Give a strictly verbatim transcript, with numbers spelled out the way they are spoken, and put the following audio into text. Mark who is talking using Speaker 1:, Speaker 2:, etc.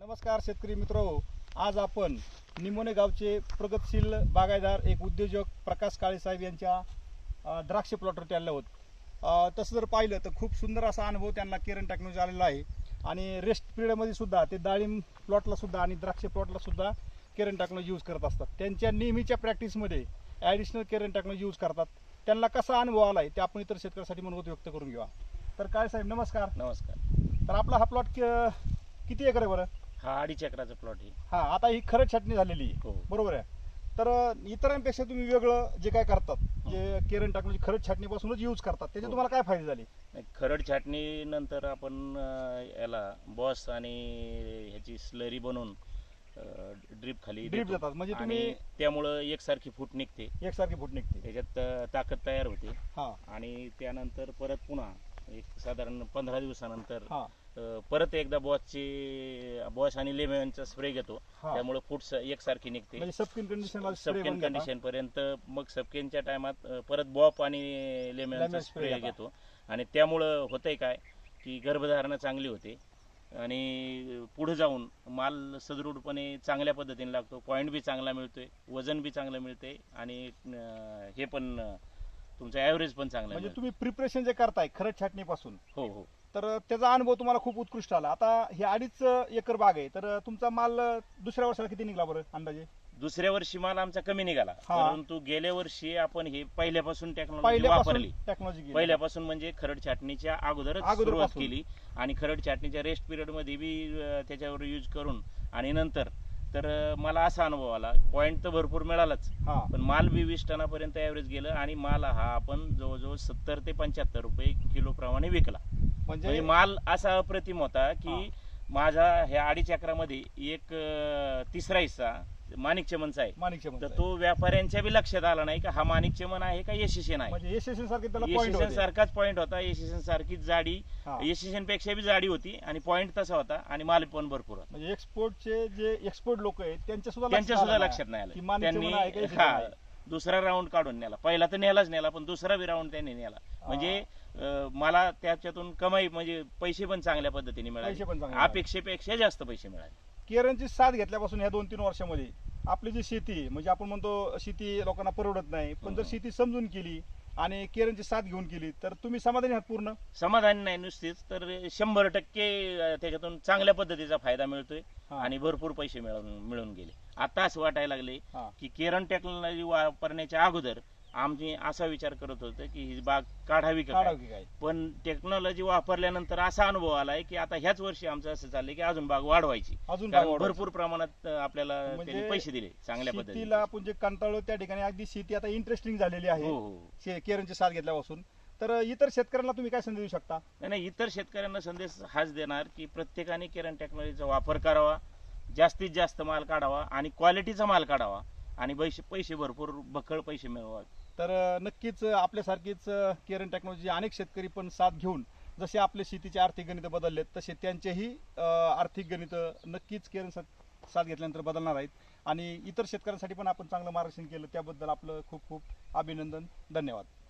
Speaker 1: नमस्कार शेतकरी मित्रहो, आज आपण निमोणे गावचे प्रगतशील बागायतदार एक उद्योजक प्रकाश काळे साहेब यांच्या अ, द्राक्ष प्लॉटवरती आले आहोत. अ, तसं जर पाहिलं तर खूप सुंदर असा अनुभव त्यांना केरन टेक्नॉलॉजी आलेला आहे आणि रेस्ट पिरियडमध्ये सुद्धा ते डाळिंब प्लॉटला सुद्धा आणि द्राक्ष प्लॉटला सुद्धा केरन टेक्नॉलॉजी यूज करत असतात. त्यांच्या नेहमीच्या प्रॅक्टिसमध्ये ॲडिशनल केरन टेक्नॉलॉजी यूज करतात. त्यांना कसा अनुभव आला आहे ते आपण इतर शेतकऱ्यांसाठी मनोगत व्यक्त करून घेऊया. तर काळे साहेब नमस्कार.
Speaker 2: नमस्कार.
Speaker 1: तर आपला हा प्लॉट किती एकर आहे बरं?
Speaker 2: हा अडीच एकराचा प्लॉट आहे.
Speaker 1: हा, आता ही खरंच छाटणी झालेली आहे,
Speaker 2: हो.
Speaker 1: बरोबर आहे. तर अ, इतरांपेक्षा तुम्ही वेगळं जे काय करतात, जे केरन टेक्नॉलॉजी खरंच छाटणीपासूनच यूज करतात, त्याचे
Speaker 2: हो.
Speaker 1: तुम्हाला काय फायदे झाले?
Speaker 2: नाही, खरड छाटणी नंतर आपण अं, याला बॉस आणि ह्याची स्लरी बनवून ड्रीप खाली
Speaker 1: ड्रीप
Speaker 2: देतो.
Speaker 1: देतात म्हणजे
Speaker 2: आणि
Speaker 1: तुम्ही
Speaker 2: त्यामुळं एकसारखी फूट निघते,
Speaker 1: एकसारखी फूट निघते.
Speaker 2: त्याच्यात अं, ताकद तयार होते.
Speaker 1: हा
Speaker 2: आणि त्यानंतर परत पुन्हा एक साधारण पंधरा दिवसानंतर
Speaker 1: हा
Speaker 2: अं, परत एकदा बॉसची बॉस आणि लेमनचा स्प्रे घेतो.
Speaker 1: हा.
Speaker 2: त्यामुळे फूट एक निघते
Speaker 1: म्हणजे सबकिन कंडिशन
Speaker 2: सबकेन कंडिशन पर्यंत. मग सबकेनच्या टायमात परत बॉप आणि लेमनचा
Speaker 1: Lemon spray
Speaker 2: स्प्रे
Speaker 1: घेता.
Speaker 2: घेतो. आणि त्यामुळं होतंय काय की गर्भधारणा चांगली होते आणि पुढे जाऊन माल सदृढपणे चांगल्या पद्धतीने लागतो. पॉईंट बी चांगला मिळतोय, वजन बी चांगलं मिळते आणि अं, हे पण अं, तुमचं ॲव्हरेज पण चांगलं
Speaker 1: म्हणजे
Speaker 2: मिळतं.
Speaker 1: तुम्ही प्रिपरेशन जे करताय खरंच छाटणीपासून,
Speaker 2: हो हो.
Speaker 1: तर त्याचा अनुभव तुम्हाला खूप उत्कृष्ट आला. आता हे अडीच एकर बाग आहे, तर तुमचा माल दुसऱ्या वर्षाला किती निघला बरं अंदाजे?
Speaker 2: दुसऱ्या वर्षी माल आमचा कमी निघाला,
Speaker 1: हा.
Speaker 2: परंतु गेल्या वर्षी आपण हे पहिल्यापासून टेक्नॉलॉजी
Speaker 1: पहिल्यापासून
Speaker 2: वापरली.
Speaker 1: टेक्नॉलॉजी
Speaker 2: पहिल्यापासून म्हणजे खरड छाटणीच्या अगोदरच
Speaker 1: अगोदरपासून.
Speaker 2: सुरुवात केली आणि खरड छाटणीच्या रेस्ट पिरियड मध्ये बी अं, त्याच्यावर यूज करून आणि नंतर तर अं, मला असा अनुभव आला. पॉईंट तर भरपूर मिळालाच,
Speaker 1: हा
Speaker 2: पण माल बी वीस टनापर्यंत ॲव्हरेज गेलं आणि माल हा आपण जवळजवळ सत्तर ते पंच्याहत्तर रुपये किलो प्रमाणे विकला. म्हणजे
Speaker 1: म्हणजे
Speaker 2: माल असा अप्रतिम होता की
Speaker 1: हा.
Speaker 2: माझा ह्या अडीच एकरामध्ये एक अं, तिसरा हिस्सा माणिक चमनचा आहे.
Speaker 1: माणिक चमन
Speaker 2: तर तो व्यापाऱ्यांच्या बी लक्षात आला नाही का हा माणिक चमन आहे का यशस्वी आहे.
Speaker 1: म्हणजे एसएसएन सारखे त्याला पॉइंट
Speaker 2: एशियन
Speaker 1: होते.
Speaker 2: सारखाच पॉईंट होता, एशियन सारखीच जाडी,
Speaker 1: हा.
Speaker 2: एशियन पेक्षा बी जाडी होती आणि पॉईंट तसा होता आणि माल पण भरपूर होता.
Speaker 1: म्हणजे एक्सपोर्टचे जे एक्सपोर्ट लोक आहेत त्यांच्या सुद्धा
Speaker 2: त्यांच्या
Speaker 1: लक्षात
Speaker 2: सुद्धा
Speaker 1: आलं
Speaker 2: लक्षात नाही
Speaker 1: की
Speaker 2: आलं.
Speaker 1: माणिक
Speaker 2: त्यांनी
Speaker 1: चमन आहे का यशस्वी
Speaker 2: हा
Speaker 1: आहे.
Speaker 2: दुसरा राऊंड काढून नेला. पहिला तर नेलाच नेला, पण दुसरा बी राऊंड त्यांनी नेला. म्हणजे अं, मला त्याच्यातून कमाई म्हणजे पैसे पण चांगल्या पद्धतीने
Speaker 1: पैसे पण
Speaker 2: मिळाले,
Speaker 1: चांगले मिळाले.
Speaker 2: अपेक्षेपेक्षा जास्त पैसे मिळाले.
Speaker 1: केरनची साथ घेतल्यापासून ह्या दोन तीन वर्षामध्ये आपली जी शेती आहे, म्हणजे आपण म्हणतो शेती लोकांना परवडत नाही, पण जर
Speaker 2: हम्म.
Speaker 1: शेती समजून केली आणि केरनची साथ घेऊन केली तर तुम्ही समाधानी आहात पूर्ण?
Speaker 2: समाधानी नाही नुसतीच तर शंभर टक्के अं, त्याच्यातून चांगल्या पद्धतीचा फायदा मिळतोय
Speaker 1: हा.
Speaker 2: आणि भरपूर पैसे मिळून मिळून गेले. आता असं वाटायला लागले
Speaker 1: हा.
Speaker 2: की केरन टेक्नॉलॉजी वापरण्याच्या अगोदर आम्ही असा विचार करत होतो की ही बाग काढावी का काय.
Speaker 1: काढावं की काय?
Speaker 2: पण टेक्नॉलॉजी वापरल्यानंतर असा अनुभव आलाय की आता ह्याच वर्षी आमचं असं चाललंय की अजून बाग वाढवायची.
Speaker 1: अजून
Speaker 2: कारण
Speaker 1: बाग वाढवायची.
Speaker 2: भरपूर प्रमाणात अं, आपल्याला
Speaker 1: म्हणजे
Speaker 2: त्यांनी पैसे दिले चांगल्या पद्धतीने.
Speaker 1: शेतीला आपण जे कंटाळलो त्या ठिकाणी अगदी शेती आता इंटरेस्टिंग झालेली आहे
Speaker 2: हो हो.
Speaker 1: शे- केरनची साथ घेतल्यापासून. तर इतर शेतकऱ्यांना तुम्ही काय संदेश देऊ शकता?
Speaker 2: नाही नाही, इतर शेतकऱ्यांना संदेश हाच देणार की प्रत्येकाने केरन टेक्नॉलॉजीचा वापर करावा, जास्तीत जास्त माल काढावा आणि क्वालिटीचा माल काढावा आणि पैसे पैसे भरपूर बखळ पैसे मिळवा.
Speaker 1: तर अ, नक्कीच अ, आपल्यासारखीच अ, केरन टेक्नॉलॉजी अनेक शेतकरी पण साथ घेऊन जसे आपले शेतीचे आर्थिक गणित बदललेत तसे त्यांचेही अ, आर्थिक गणित नक्कीच केरन साथ साथ घेतल्यानंतर बदलणार आहेत. आणि इतर शेतकऱ्यांसाठी पण आपण चांगलं मार्गदर्शन केलं त्याबद्दल आपलं खूप खूप अभिनंदन. धन्यवाद.